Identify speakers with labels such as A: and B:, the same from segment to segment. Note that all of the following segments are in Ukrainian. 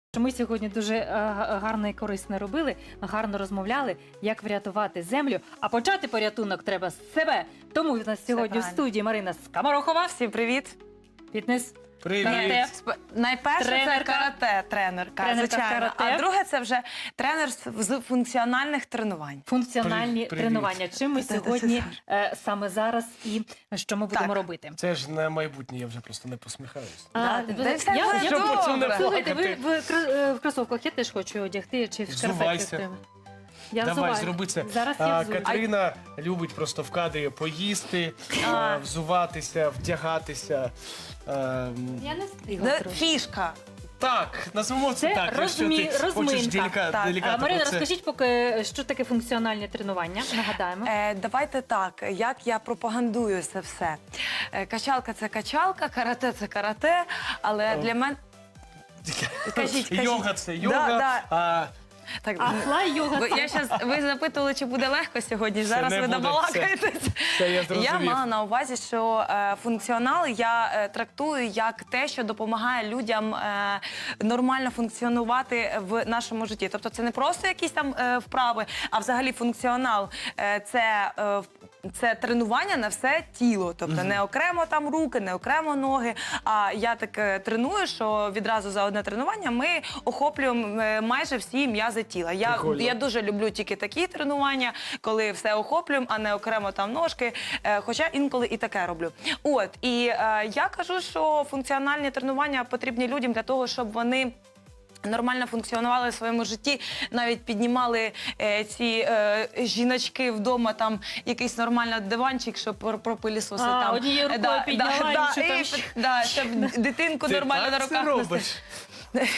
A: Ми сьогодні дуже гарно і корисно робили, гарно розмовляли, як врятувати землю. А почати порятунок треба з себе. Тому в нас сьогодні в студії Марина Скоморохова.
B: Всім привіт.
A: Фітнес.
C: Привіт.
A: Карате.
B: Найперше
A: Тренерка.
B: це карате, тренерка,
A: Тренерка
B: звичайно.
A: карате.
B: А друге це вже тренер з функціональних тренувань.
A: Функціональні
C: Привіт.
A: тренування. Чим ми сьогодні саме зараз і що ми будемо робити?
C: Це ж на майбутнє, я вже просто не посміхаюсь.
B: Та все буде
C: Щоб
B: добре.
C: оцю не
A: Слухайте, ви
C: плакати.
A: в кросовках я теж хочу одягти, чи в
C: Взувайся.
A: шкарпетках. Я
C: Давай,
A: взуваю.
C: зроби це.
A: Зараз я взую.
C: Катерина любить просто в кадрі поїсти, взуватися, вдягатися.
A: Я не встигла трошки.
B: Фішка.
C: Так, назвемо це
A: Це
C: так, якщо ти хочеш
A: розминка. Так.
C: делікатно
A: Марина,
C: про це.
A: розкажіть поки, що таке функціональні тренування, нагадаємо.
B: Давайте так, як я пропагандую це все. Качалка – це качалка, карате – це карате, але для мене... Кажіть.
C: Йога – це йога,
B: Да.
C: а
A: А флай-йога.
B: Ви запитували, чи буде легко сьогодні. Зараз
C: не
B: ви
C: буде,
B: добалакаєтесь.
C: це я зрозумів.
B: Я мала на увазі, що функціонал я трактую як те, що допомагає людям нормально функціонувати в нашому житті. Тобто це не просто якісь там вправи, а взагалі функціонал це тренування на все тіло. Тобто не окремо там руки, не окремо ноги. А я так треную, що відразу за одне тренування ми охоплюємо майже всі м'язи тіла. Я дуже люблю тільки такі тренування, коли все охоплюємо, а не окремо там ножки. Хоча інколи і таке роблю. От, і я кажу, що функціональні тренування потрібні людям для того, щоб вони нормально функціонували в своєму житті, навіть піднімали ці жіночки вдома, там якийсь нормальний диванчик, щоб пропилісосити.
A: Однією рукою підняла, іншою там...
B: щоб дитинку нормально на
C: ти
B: руках
C: так це
B: носити.
C: робиш?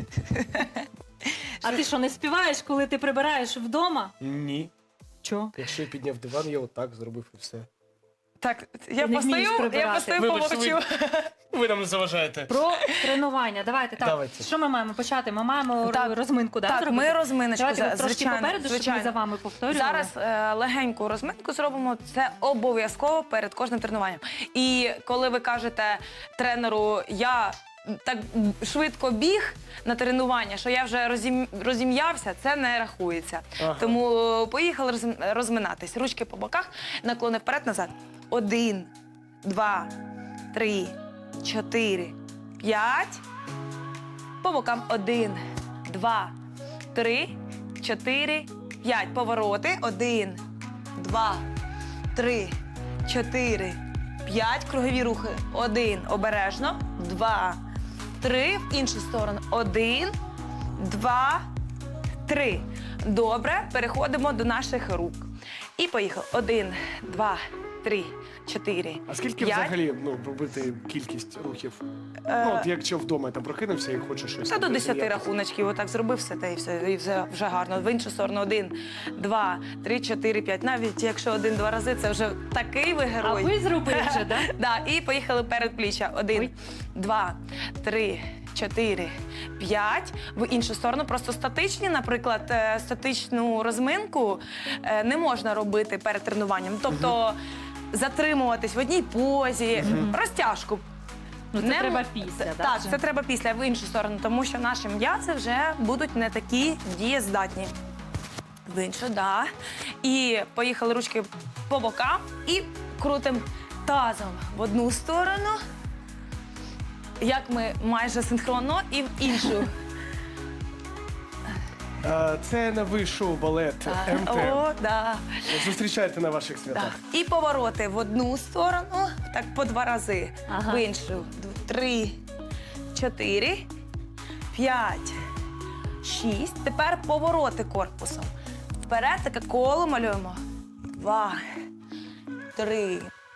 A: А ти що, не співаєш, коли ти прибираєш вдома?
C: Ні.
A: Чо?
C: Якщо я підняв диван, я отак зробив і все.
B: Так, я
A: не вмієш
B: постою,
A: прибирати.
C: Вибач,
B: помовчу.
C: ви нам не заважаєте.
A: Про тренування. Давайте так.
C: Давайте.
A: Що ми маємо почати? Ми маємо
B: Так,
A: розминку,
B: Так,
A: зробити?
B: ми розминочку,
A: Давайте трошки
B: звичайно.
A: попереду, щоб ми за вами повторювали.
B: Зараз легеньку розминку зробимо. Це обов'язково перед кожним тренуванням. І коли ви кажете тренеру, я так швидко біг на тренування, що я вже розім'явся, це не рахується.
C: Ага.
B: Тому поїхали розминатись. Ручки по боках, наклони вперед-назад. 1, 2, 3, 4, 5. По бокам 1, 2, 3, 4, 5. Повороти. 1, 2, 3, 4, 5. Кругові рухи. 1. Обережно. 2, 3. В іншу сторону. 1, 2, 3. Добре. Переходимо до наших рук. І поїхали. 1, 2, 3, 4,
C: А скільки
B: 5.
C: взагалі робити кількість рухів? От якщо вдома там прокинувся і хочеш щось.
B: Та до 10
C: зайнятися.
B: рахуночків, отак зробив все, і все вже гарно. В іншу сторону 1, 2, 3, 4, 5. Навіть якщо 1-2 рази, це вже такий ви
A: А
B: герой.
A: ви зробили вже, так?
B: Да, і поїхали перед пліччя. 1, 2, 3, 4, 5. В іншу сторону просто статичні, наприклад, статичну розминку не можна робити перед тренуванням. Тобто затримуватись в одній позі, розтяжку.
A: Ну, це треба після,
B: Так, це треба після, в іншу сторону, тому що наші м'язи вже будуть не такі дієздатні. В іншу, да. І поїхали ручки по бокам і крутимо тазом в одну сторону, як ми майже синхронно, і в іншу.
C: Це новий шоу-балет МТ.
B: О, да.
C: Зустрічайте на ваших святах.
B: Так. І повороти в одну сторону, так по 2 рази,
A: Ага.
B: в іншу. 3, 4, 5, 6. Тепер повороти корпусом. Вперед таке коло малюємо. 2, 3,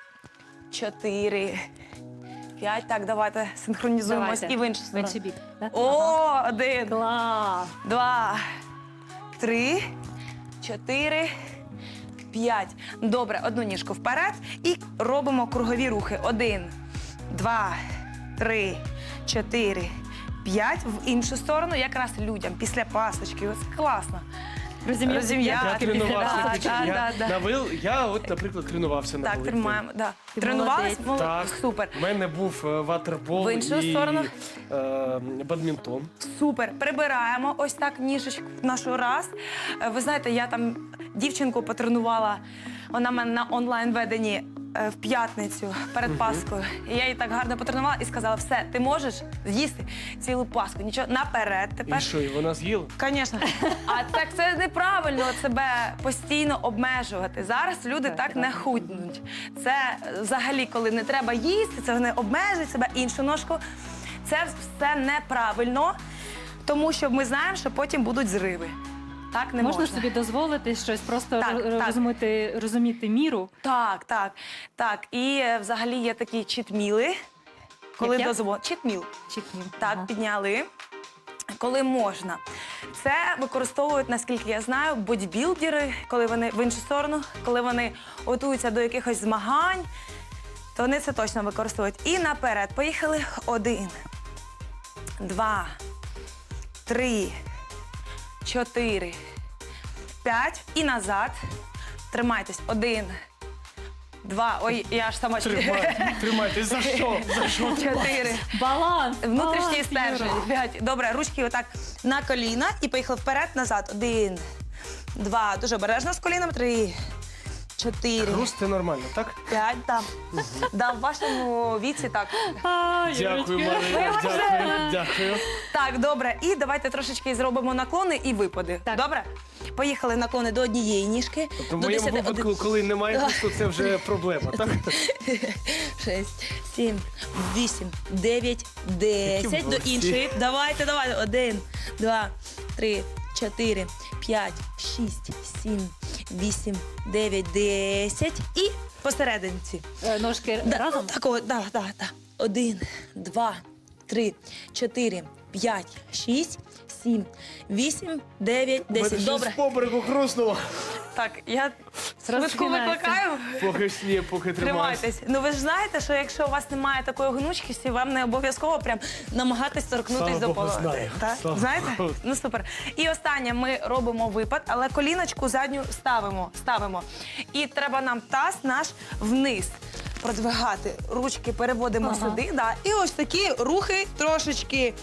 B: 4, 5. Так, давайте синхронізуємось і в іншу
A: В
B: сторону.
A: інший бік. Да?
B: О, 1,
A: Клас!
B: 2, 3, 4, 5. Добре, одну ніжку вперед і робимо кругові рухи. 1, 2, 3, 4, 5. В іншу сторону, якраз людям після пасочки. Ось класно. розім'яти.
C: Тренувався.
B: Да.
C: От, наприклад, тренувався на
B: Так,
C: великдень.
B: тримаємо. Да.
A: Ти
B: Тренувались?
C: Так,
B: Супер.
C: У мене був ватербол
B: В іншу
C: і
B: сторону?
C: бадмінтон.
B: Супер. Прибираємо ось так ніжечку нашу раз. Ви знаєте, я там дівчинку потренувала, вона в мене на онлайн-веденні в п'ятницю перед Паскою. І я її так гарно потренувала і сказала, все, ти можеш з'їсти цілу Пасху. Нічого, наперед тепер.
C: І що, і вона з'їла?
B: Звісно. А так це неправильно себе постійно обмежувати. Зараз люди так не худнуть. Це взагалі, коли не треба їсти, це вони обмежують себе іншу ножку. Це все неправильно, тому що ми знаємо, що потім будуть зриви. Так не можна.
A: Можна собі дозволити щось, просто
B: Так, так.
A: розуміти міру.
B: Так. І взагалі є такі читміли, коли
A: Яке?
B: дозволено. Читміл.
A: Чітні.
B: Так,
A: Ага.
B: підняли. Коли можна. Це використовують, наскільки я знаю, бодібілдери, коли вони в іншу сторону, коли вони готуються до якихось змагань, то вони це точно використовують. І наперед. Поїхали. 1, 2, 3, 4, 5. І назад. Тримайтесь. 1, 2. Ой, я аж сама
C: Тримайте. За що? За що?
B: 4.
A: Баланс!
B: Внутрішній
A: баланс,
B: стержень.
A: Юра.
B: 5. Добре, ручки отак на коліна і поїхали вперед, назад. 1, 2. Дуже обережно з коліном. 3, 4,
C: Хруст це нормально, так?
B: 5. Там. Да, в вашому віці так.
A: А,
C: Дякую,
A: Юрочка.
C: Марина. Дякую.
B: Так, добре. І давайте трошечки зробимо наклони і випади.
A: Так.
B: Добре? Поїхали наклони до однієї ніжки.
C: Тобто в
B: до
C: моєму
B: 10,
C: випадку, коли немає хрусту, це вже проблема, так?
B: 6, 7, 8, 9, 10. До
C: молодці.
B: іншої. Давайте. 1, 2, 3, 4, 5, 6, 7, 8, 9, 10. І посерединці.
A: Ножки разом?
B: Так, о, да. 1, 2, 3, 4, 5, 6, 7, 8, 9, 10. Добре.
C: З поберегу хрустнуло.
B: Так, я швидко
A: Розпинається.
B: викликаю.
C: Поки тримаюся.
B: Тримайтесь. Ну ви ж знаєте, що якщо у вас немає такої гнучкості, вам не обов'язково прям намагатись торкнутись
C: Слава
B: до
C: Богу,
B: пола.
C: знаю.
B: Так?
C: Слава
B: Знаєте?
C: Богу.
B: Ну супер. І останнє ми робимо випад, але коліночку задню ставимо. І треба нам таз наш вниз продвигати. Ручки переводимо
A: Ага.
B: сюди. Да. І ось такі рухи трошечки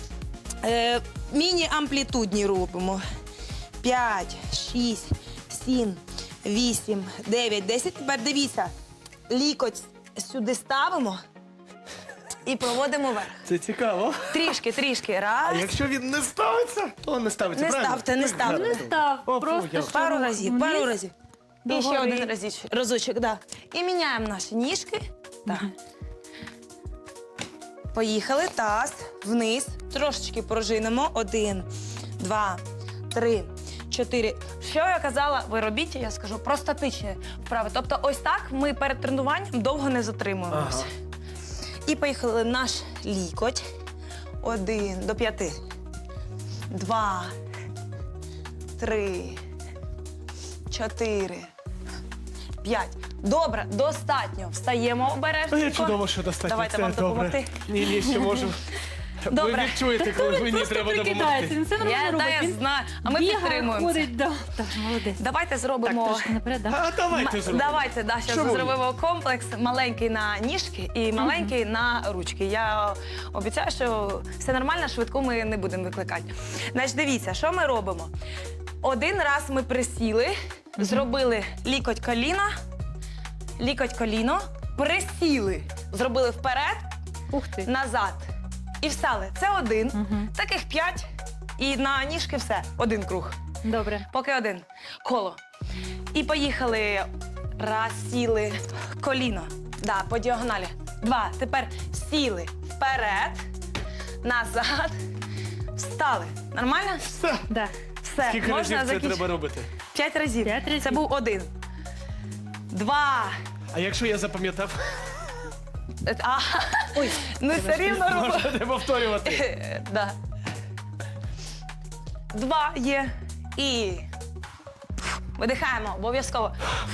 B: міні-амплітудні робимо. 5, 6, 7, 8, 9, 10. Тепер дивіться, лікоть сюди ставимо і проводимо вверх.
C: Це цікаво.
B: Трішки.
C: А
B: Раз.
C: якщо він не ставиться, то не ставиться,
B: Не
C: правильно?
B: ставте, не ставте.
A: Не став,
C: О,
A: просто
C: я-
A: що
B: Пару
A: рух
B: разів.
A: вниз.
B: І ще
A: Догори.
B: один разочок, да. І міняємо наші ніжки. Так. Поїхали. Таз вниз. Трошечки пружинимо. 1, 2, 3, 4. Що я казала, ви робіть, я скажу, про статичні вправи. Тобто ось так ми перед тренуванням довго не затримуємося.
C: Ага.
B: І поїхали наш лікоть. 1 до 5. 2, 3, 4, 5. Добре, достатньо. Встаємо обережно.
C: Я чудово, що достатньо.
B: Давайте
C: Це
B: вам
C: добре.
B: допомогти.
C: Ні, ще можемо. Ви
B: Добре.
C: відчуєте, коли мені
A: Просто
C: треба
A: прикидається,
C: допомогти.
A: він все нормально
B: Я
A: робить. Він
B: знаю, а ми
A: бігає,
B: підтримуємо.
A: ходить, да. Так, молодець.
B: Давайте
A: Так,
B: зробимо.
A: трошки наперед, да?
C: А давайте зробимо.
B: Давайте, да, зараз
C: Чому ні?
B: зробимо комплекс маленький на ніжки і маленький на ручки. Я обіцяю, що все нормально, швидку ми не будемо викликати. Значить, дивіться, що ми робимо. Один раз ми присіли, зробили лікоть коліно, присіли, зробили вперед,
A: Ух ти.
B: назад і встали. Це один.
A: Мгм.
B: Таких 5. І на ніжки все. Один круг.
A: Добре.
B: Поки один. Коло. І поїхали. Раз, сіли. Коліно. Да, по діагоналі. 2. Тепер сіли. Вперед. Назад. Встали. Нормально?
C: Все.
A: Да.
B: Все.
C: Скільки разів це треба робити?
B: 5 разів.
A: 5 разів.
B: Це був 1. 2.
C: А якщо я запам'ятав,
B: А, ой, ну все рівно робимо.
C: можна не повторювати.
B: Да. 2 є. І видихаємо обов'язково.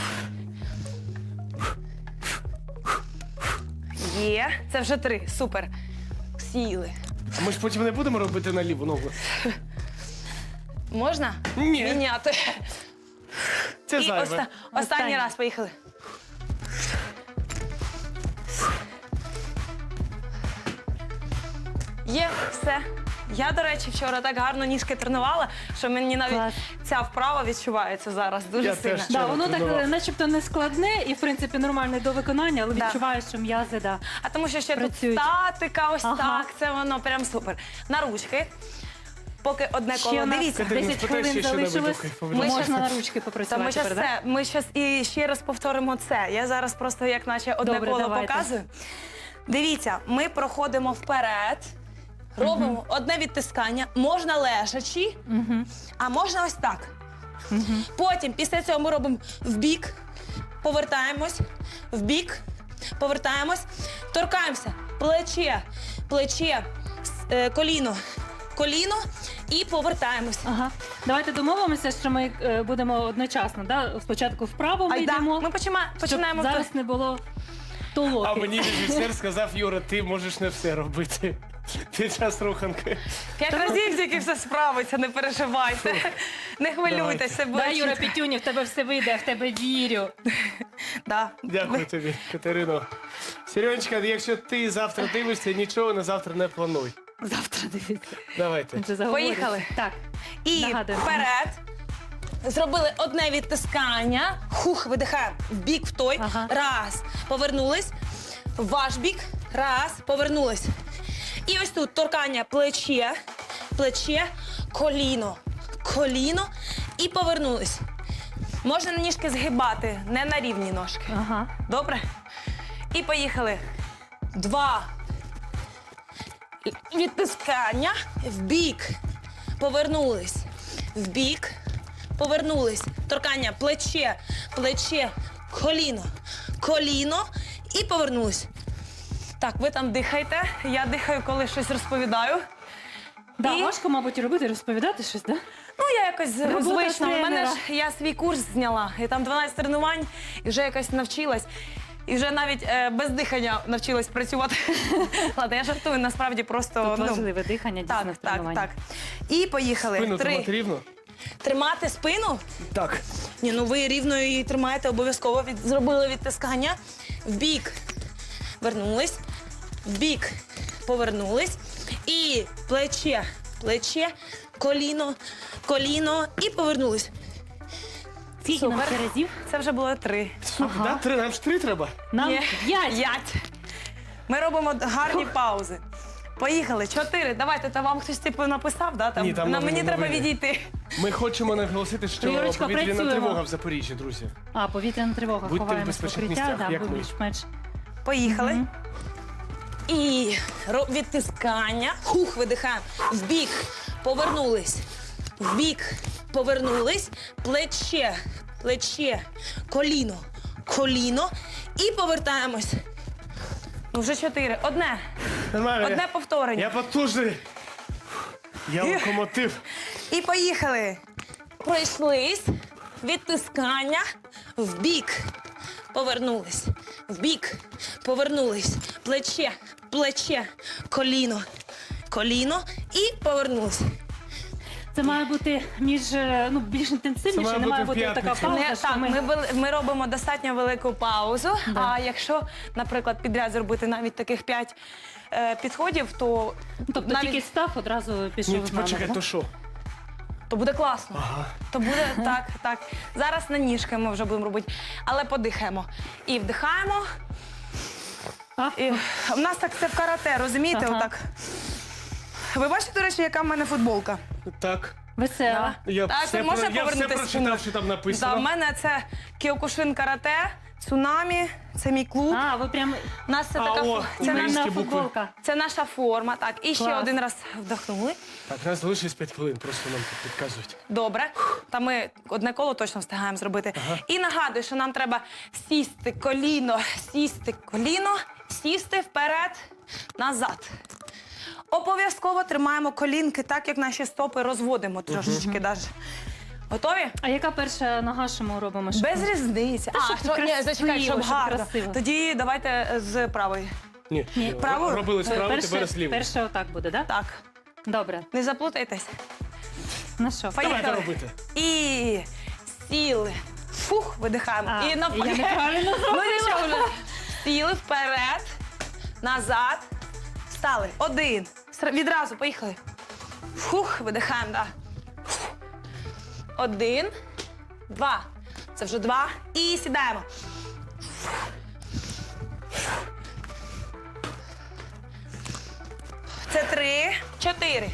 B: Є. Це вже 3. Супер. Сіли.
C: А ми ж потім не будемо робити на ліву ногу.
B: Можна?
C: Ні.
B: Міняти.
C: Це
B: І
C: зайве.
B: останній
A: Останній.
B: раз, поїхали. Є, все. Я, до речі, вчора так гарно ніжки тренувала, що мені навіть
A: Клас.
B: ця вправа відчувається зараз дуже
C: Я
B: сильно.
C: теж.
A: Да,
C: Вчора
A: воно так
C: тренував.
A: начебто не складне і, в принципі, нормальне до виконання, але
B: Да.
A: відчуваєш, що м'язи, да.
B: А тому що ще
A: Працюють.
B: тут статика, ось
A: Ага.
B: так, це воно прям супер. На ручки. Поки одне
A: Ще
B: коло.
A: у нас
B: Дивіться.
C: Катерина,
A: 10
C: спитай
A: хвилин
C: ще що-небудь
A: залишилось.
C: у кайфовому.
B: Ми
A: Можна
B: щас-
A: на ручки
B: Та
A: попрацювати
B: ми щас
A: тепер, да?
B: ми щас і ще раз повторимо це. Я зараз просто як наче одне
A: Добре,
B: коло
A: давайте.
B: показую. Дивіться, ми проходимо вперед, робимо одне відтискання, можна лежачи, а можна ось так. Потім після цього ми робимо вбік, повертаємось, вбік, повертаємось, торкаємося, плече, плече, коліно, коліно і повертаємось.
A: Ага. Давайте домовимося, що ми будемо одночасно. Да? Спочатку вправо ми
B: Айда,
A: йдемо,
B: ми
A: щоб
B: починаємо.
A: зараз не було толоки.
C: А мені режисер сказав, Юра, ти можеш не все робити під час руханки.
B: 5 разів тільки все справиться, не переживайте. Не хвилюйтесь, все буде
A: Да, Юра
B: чітко.
A: Петюнів, в тебе все вийде, я в тебе вірю.
B: Да.
C: Дякую тобі, Катерино. Сережечка, якщо ти завтра дивишся, нічого на завтра не плануй.
A: Завтра дивіться.
C: Давайте.
A: Він же заговорить.
B: Поїхали.
A: Так.
B: І
A: Нагадуємо.
B: вперед. Зробили одне відтискання. Хух, видихаємо. В бік в той.
A: Ага.
B: Раз. Повернулись. В ваш бік. Раз. Повернулись. І ось тут торкання плече, плече, коліно, коліно і повернулись. Можна ніжки згибати, не на рівні ножки.
A: Ага.
B: Добре? І поїхали. 2. Відтискання. Вбік. Повернулись. Вбік. Повернулись. Торкання. Плече. Плече. Коліно. Коліно. І повернулись. Так, ви там дихайте. Я дихаю, коли щось розповідаю.
A: Да,
B: І-
A: важко, мабуть, робити, розповідати щось, да?
B: Ну, я якось
A: Робота
B: звична. У мене
A: тренера.
B: ж я свій курс зняла, і там 12 тренувань, і вже якось навчилась. І вже навіть без дихання навчилась працювати. Ладно, я жартую, насправді просто.
A: Тут важливе дихання, дійсно,
B: Так,
A: в
B: так,
A: тренуванні.
B: так. І поїхали.
C: Спину
B: 3.
C: тримати рівно?
B: Тримати спину?
C: Так.
B: Ні, ну ви рівно її тримаєте, обов'язково зробили відтискання. Вбік. Вернулись. Вбік. Повернулись. І плече, плече, коліно, коліно і повернулись.
A: Скільки нам
B: Супер.
A: ще разів?
B: Це вже було 3.
A: Ага.
C: Да, 3, нам ж 3 треба.
A: Нам
B: Ні.
A: 5.
B: 5. Ми робимо гарні паузи. Поїхали. 4. Давайте, та вам хтось типу написав, да? Там,
C: Ні, там
B: мені
C: новини,
B: треба
C: новини.
B: відійти.
C: Ми хочемо наголосити, що
A: Юрочка,
C: повітряна
A: працюємо.
C: тривога в Запоріжжі, друзі.
A: А, повітряна тривога.
C: Будьте в
A: Ховаємось в
C: безпечних
A: укриття,
C: місцях,
A: да,
C: як ми.
A: більш-менш.
B: Поїхали.
A: Мгм.
B: І відтискання. Хух, видихаємо. Вбік. Повернулись. Вбік. Повернулись. Плече. Плече. Коліно. Коліно. І повертаємось. Ну, вже 4. Одне.
C: Нормально.
B: Одне повторення.
C: Я потужний. Я локомотив.
B: І поїхали. Пройшлись. Відтискання. Вбік. Повернулись. Вбік. Повернулись. Плече. Плече. Коліно. Коліно. І повернулись.
A: Це має бути більш
C: Це
A: інтенсивніше,
C: має
A: не має
C: бути в
A: бути така
C: п'ятницю.
A: пауза,
B: Не,
A: що
B: так,
A: ми...
B: ми робимо достатньо велику паузу.
A: Да.
B: А якщо, наприклад, підряд зробити навіть таких 5 підходів, то
A: Тобто
B: навіть
A: тільки став, одразу пішов
C: Ні,
A: з нами.
C: почекай,
A: да?
C: то що?
B: то буде класно. То буде так, так. Зараз на ніжки ми вже будемо робити, але подихаємо. І вдихаємо.
A: А?
B: І в нас так це в карате, розумієте?
A: Ага.
B: Отак. Ви бачите, до речі, яка в мене футболка?
C: Так.
A: Весела.
C: Я
B: Так,
C: все,
B: можна
C: я все
B: повернутися
C: прочитав,
B: спиною?
C: що там
B: Да,
C: написано.
B: в мене це Кіокушин карате, цунамі, це мій клуб.
A: А, ви прям
B: У нас це така
C: о,
B: це,
A: іменна
C: українські букви.
A: футболка.
B: це наша форма. Так, і ще
A: Клас.
B: один раз вдохнули.
C: Так, у нас залишилось 5 хвилин, просто нам тут підказують.
B: Добре. Та ми одне коло точно встигаємо зробити. І нагадую, що нам треба сісти коліно, сісти вперед, назад. Обов'язково тримаємо колінки так, як наші стопи розводимо трошечки. Даже. Готові?
A: А яка перша нога, що ми робимо? Щоб-
B: Без різниці.
A: щоб
B: ні,
A: красиво,
B: зачекай, щоб
A: щоб
B: гарно.
A: красиво.
B: Тоді давайте з правої.
C: Ні,
B: правою?
C: робили справу, тепер з лівою.
A: Перше отак буде, да?
B: Так,
A: Добре.
B: не заплутайтесь.
A: Ну що,
C: Давайте робити.
B: І сіли. Фух, видихаємо.
A: А,
B: І навпаки.
A: я неправильно
B: Ну нічого вже. Сіли вперед, назад, встали. Один. Відразу, поїхали. Фух, видихаємо, да. Один, два. Це вже два. І сідаємо. Це 3, 4.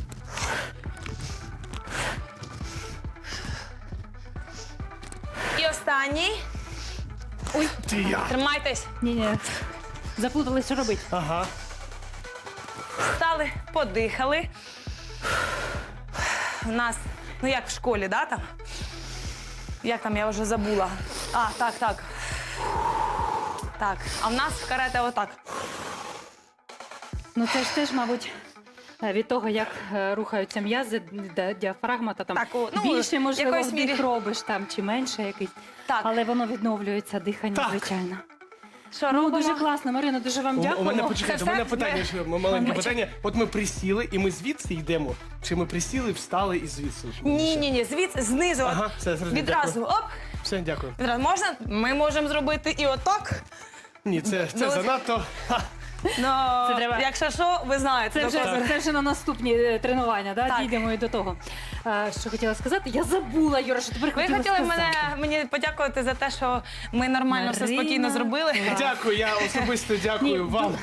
B: І останній. Ой,
C: Ти я.
B: тримайтесь.
A: Ні-ні. Заплутались, що робити.
C: Ага.
B: Встали, подихали. У нас, ну як в школі, да, там? Як там, я вже забула. А, так, так. Так, а в нас в карате отак.
A: Ну це ж теж, мабуть, від того, як рухаються м'язи, діафрагма, та там
B: Так, ну,
A: більше, можливо,
B: якоюсь
A: вдих
B: мірі.
A: робиш там, чи менше якийсь.
B: Так.
A: Але воно відновлюється, дихання,
C: Так.
A: звичайно.
B: Що
A: Ну,
B: робимо?
A: дуже класно, Марина, дуже вам
C: У мене,
A: дякуємо.
C: почекайте, у
B: Це
C: мене
B: все?
C: питання, ще маленьке питання. От ми присіли, і ми звідси йдемо. Чи ми присіли, встали і звідси?
B: Ні, звідси, знизу.
C: Ага, все, зрозумів,
B: Відразу, оп.
C: Все, дякую.
B: Відразу. Можна? Ми можемо зробити і отак.
C: Ні, це
B: Ну,
C: занадто. Ха.
B: Ну,
A: Це треба-
B: якщо що, ви знаєте.
A: Це вже на наступні тренування, да?
B: Так.
A: Дійдемо і до того. Що хотіла сказати? Я забула, Юра, що тепер
B: Ви
A: хотіла
B: хотіли
A: сказати.
B: мені подякувати за те, що ми нормально все
A: Марина.
B: спокійно зробили.
C: Дякую, я особисто дякую
A: Ні,
C: вам.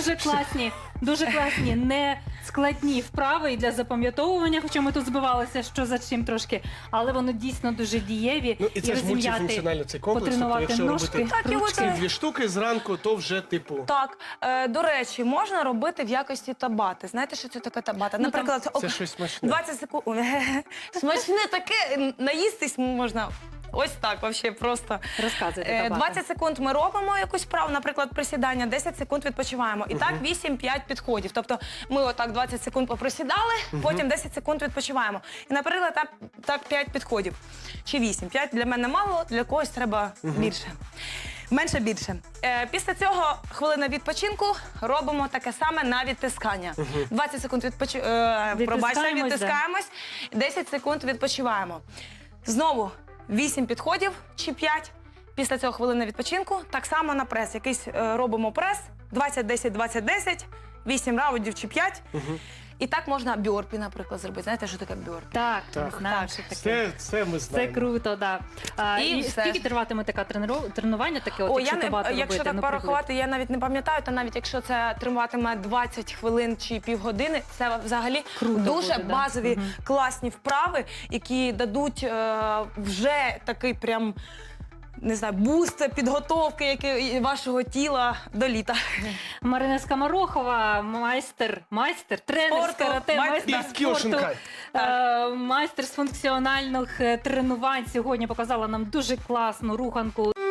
A: дуже класні, не складні вправи і для запам'ятовування, хоча ми тут збивалися, що за чим трошки, але воно дійсно дуже дієві.
C: Ну і це ж
A: розім'яти,
C: мультифункціонально цей комплекс. Тобто,
A: потренувати
C: якщо
A: ножки,
C: робити
B: Так, його
A: ручки.
B: це-
C: дві штуки зранку, то вже типу.
B: Так, до речі, можна робити в якості табати. Знаєте, що це таке табата?
A: Ну,
B: Наприклад,
C: Це щось смачне.
B: 20 секунд. Смачне таке, наїстись можна. Ось так, взагалі, просто.
A: Розказуйте, Табата.
B: 20 секунд ми робимо якусь вправу, наприклад, присідання, 10 секунд відпочиваємо. І так 8-5 підходів. Тобто ми отак 20 секунд поприсідали, потім 10 секунд відпочиваємо. І, наприклад, так 5 підходів. Чи 8. 5 для мене мало, для когось треба більше. Менше більше. Після цього хвилина відпочинку робимо таке саме на відтискання. 20 секунд відтискаємось, 10 секунд відпочиваємо. Знову 8 підходів чи 5. Після цього хвилина відпочинку. Так само на прес. Якийсь робимо прес. 20-10-20-10, 8 раундів чи 5. І так можна бьорпі, наприклад, зробити. Знаєте, що таке бьорпі?
A: Так,
C: Так.
A: знаємо, що таке.
C: Це ми
A: Це
C: знаємо.
A: круто, так.
B: І
A: І
B: все.
A: скільки триватиме таке тренування, таке,
B: О,
A: якщо табата робити?
B: якщо так
A: ну,
B: порахувати, я навіть не пам'ятаю, то навіть якщо це триватиме 20 хвилин чи півгодини, це взагалі
A: Круто
B: дуже
A: буде, да.
B: базові, класні вправи, які дадуть вже такий прям, не знаю, буст підготовки вашого тіла до літа.
A: Марина Скоморохова, тренер з
B: Спорту,
A: карате, майстер
C: І з Кіошинкай.
A: майстер з функціональних тренувань. Сьогодні показала нам дуже класну руханку.